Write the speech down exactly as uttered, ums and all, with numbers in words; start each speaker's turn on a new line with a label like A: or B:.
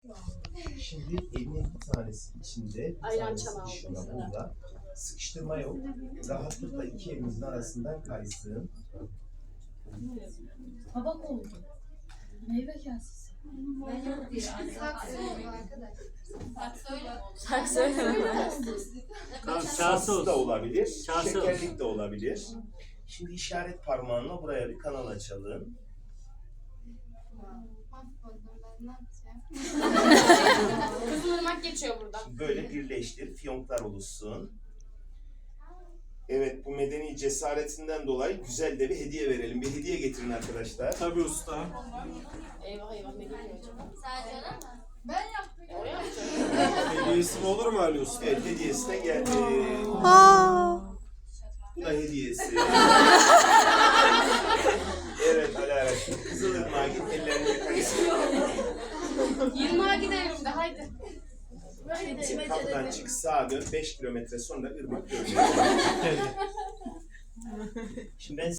A: Şimdi elinin bir tanesi içinde, bir
B: Ayran
A: tanesi
B: çanağı
A: dışında
B: oldu
A: burada. Sıkıştırma yok. Rahatlıkla iki elinizin arasından kaysın.
C: Tabak oldu. Meyve kasesi.
B: Şarkı söyleme.
D: Tamam, kase
A: Saksı da
D: olsun.
A: olabilir,
D: Kase
A: şekerlik de olabilir. Şimdi işaret parmağınla buraya bir kanal açalım.
B: Kızılırmak geçiyor burada.
A: Şimdi böyle birleştir, fiyonklar oluşsun. Evet, bu medeni cesaretinden dolayı güzel de bir hediye verelim. Bir hediye getirin arkadaşlar.
D: Tabii usta.
B: Eyvah eyvah ne geliyor acaba?
E: Sadece öyle mi?
C: Ben yaptım.
B: E, o yapacak.
D: Hediyesi mi olur mu Ali usta?
A: Evet, hediyesi de geldi. Bu da hediyesi. Evet, Alara. Kızılırmak'a git, ellerini yıkayısın.
B: Yirmiye gidelim de haydi.
A: Kapıdan çık, sağa dön, beş kilometre sonra ırmak görünüyor. Şimdi ben